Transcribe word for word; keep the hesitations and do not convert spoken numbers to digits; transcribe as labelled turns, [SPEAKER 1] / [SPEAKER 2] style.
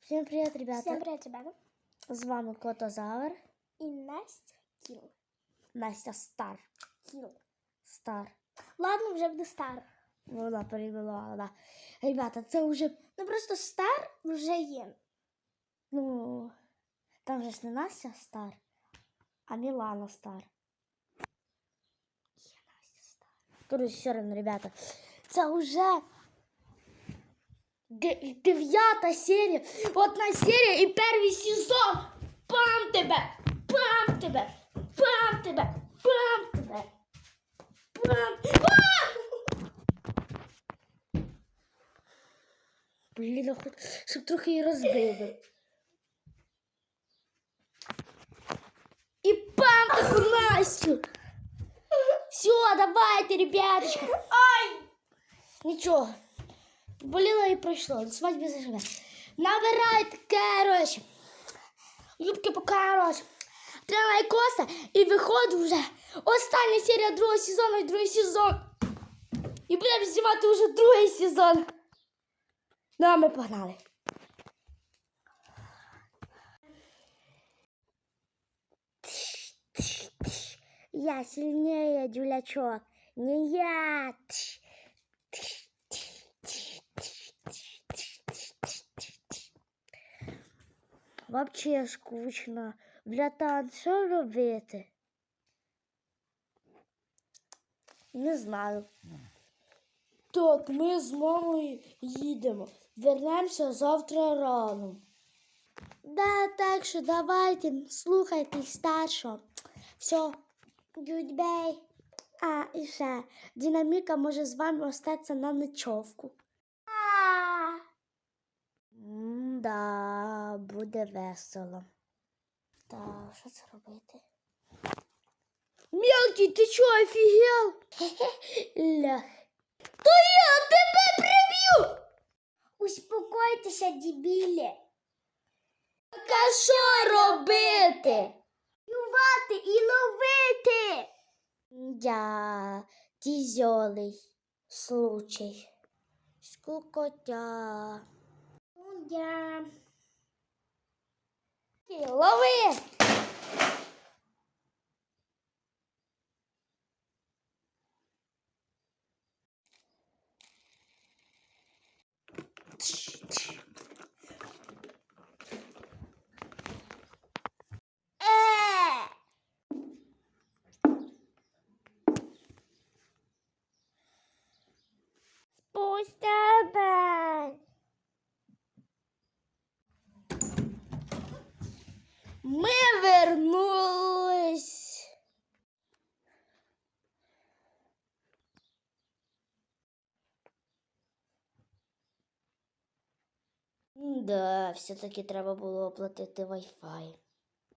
[SPEAKER 1] Всем привет, ребята.
[SPEAKER 2] Всем привет, ребята.
[SPEAKER 1] З вами Котозавр.
[SPEAKER 2] И Настя Кіл.
[SPEAKER 1] Настя Стар.
[SPEAKER 2] Кіл.
[SPEAKER 1] Стар.
[SPEAKER 2] Ладно, вже буде Стар.
[SPEAKER 1] Вона перейменувала, да. Ребята, це вже,
[SPEAKER 2] Ну просто Стар вже є.
[SPEAKER 1] ну, там же ж не Настя Стар, а Мілана Стар.
[SPEAKER 2] Є Настя Стар.
[SPEAKER 1] Короче, все равно, ребята, це вже дев'ята серія. Одна серія і перший сезон. Пам тебе! Пам тебе! Пам тебе! Пам тебе! Пам! Блін, хоч, щоб трохи її розбили. І пам таку Настю! Все, давайте, ребяточки! Ай! Нічого. Боліло і пройшло. До свадьби заживе. Набирайте, короче. Юбки по короче. Треба лайкоса і виходить вже остання серія другого сезону і другий сезон. І будемо знімати вже другий сезон. Ну, а ми погнали. Я сильнее, дюлячок. Не я. Вообще скучно. Братан, що робити? Не знаю. Так, ми з мамою їдемо. Вернемося завтра рано. Да, так що давайте, слухайте старшого. Все, goodbye. А, і ще, Динаміка може з вами остатися на ночовку. Да, буде весело. Та, що це робити? Мелкий, ти чо, офігел? Лях. То я тебе приб'ю!
[SPEAKER 2] Успокойтеся, дебілі.
[SPEAKER 1] Так а що робити?
[SPEAKER 2] Ювати і ловити.
[SPEAKER 1] Я тізьолий случай. Скукотя.
[SPEAKER 2] Я...
[SPEAKER 1] Лови!
[SPEAKER 2] Е!
[SPEAKER 1] Пусть тебе! Ми вернулись. Да, все-таки треба було оплатити Wi-Fi.